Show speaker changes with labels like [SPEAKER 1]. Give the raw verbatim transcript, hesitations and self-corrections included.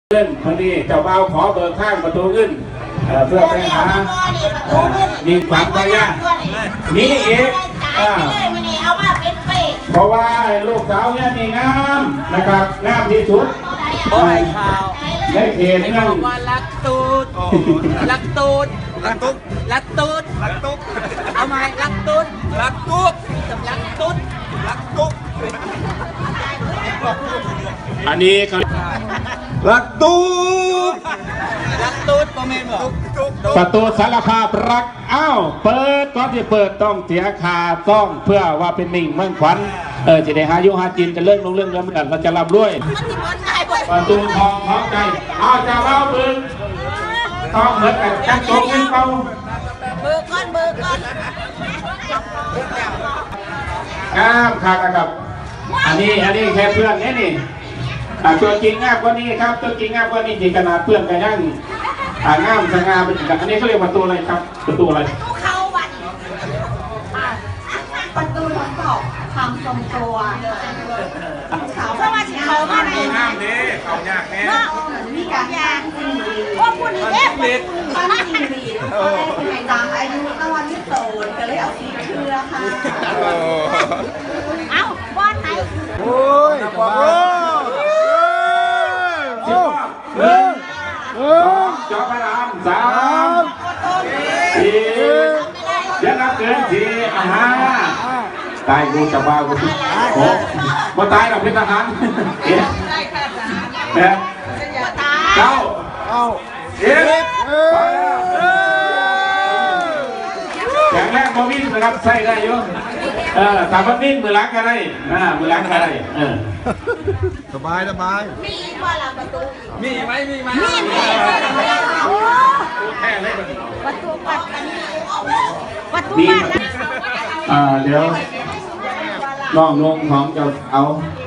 [SPEAKER 1] เล่นพอดีเจ้าบ่าวขอเบิกข้างประตูขึ้นเพื่อไปหามีความพยายามนี่เองเพราะว่าลูกสาวเนี่ยมีงามนะครับงามที่สุดในเขตนั่น
[SPEAKER 2] ว่ารักตูดรักตูดรักตุ๊กรักตูดรักตุ๊กเอาไหมรักตูดรักตุ๊กรักตุ๊ดรักตุ๊ก
[SPEAKER 1] อันนี้ครับ
[SPEAKER 3] รักตูด
[SPEAKER 2] รักตูดโมเมนต์
[SPEAKER 1] ประตูสารภาพรักอ้าวเปิดก่อนที่เปิดต้องเสียคาต้องเพื่อว่าเป็นมิ่งเมืองขวัญเออจะได้หายุหาจินจะเรื่องลงเรื่องเรื่องกันเราจะรับด้วยประตูทองพร้อมใจอ้าวจะเล่าบึงต้องเหมือนกับจังโจ๊กยิงเป้า
[SPEAKER 2] เบอร์ก้อนเบอร์ก้อน
[SPEAKER 1] งามค่ะครับอันนี้อันนี้แค่เพื่อนนี่นี่ตัวจริงงามกว่านี้ครับตัวจริงงามกว่านี้จริงขนาดเพื่อนกันยังงามสง่าเป็นอันนี้เขาเรียกประตูอะไรครับประตูอะไร
[SPEAKER 4] เข้าวันประตูทดสอบทำทรงตัวเขาเพราะว่าเขามาใน
[SPEAKER 3] งามดีเขายากแน่
[SPEAKER 4] มีการยางจริงดีว่าพูดนี้เอ๊ะเขาไม่จริงดีในตามอายุตะวันที่โตก็เลยเอาสีเครือค่ะเอ้าบ้านไหน
[SPEAKER 3] โอ้ยโอ้
[SPEAKER 1] หนึ่งสองจอพระรามสามสี่ยังนับเกินสี่ห้าตายกูจะบ้ากูโอ้มาตายหรอกเป็นทหารเอ๊ะแปดเก้าสิบแข็งแรงพอวิ่งนะครับใส่ได้เยอะเออแต่พอวิ่งมือล้างก็ได้อ่ามือล้างก็ได้เออ
[SPEAKER 3] สบายสบาย
[SPEAKER 4] มีว่าเราประตู
[SPEAKER 2] มีไหมมีไหม
[SPEAKER 4] มีมี
[SPEAKER 1] แค่เลย
[SPEAKER 4] ประตูปัดประตู
[SPEAKER 1] ปัดอ่าเดี๋ยวน้องลงของจะเอา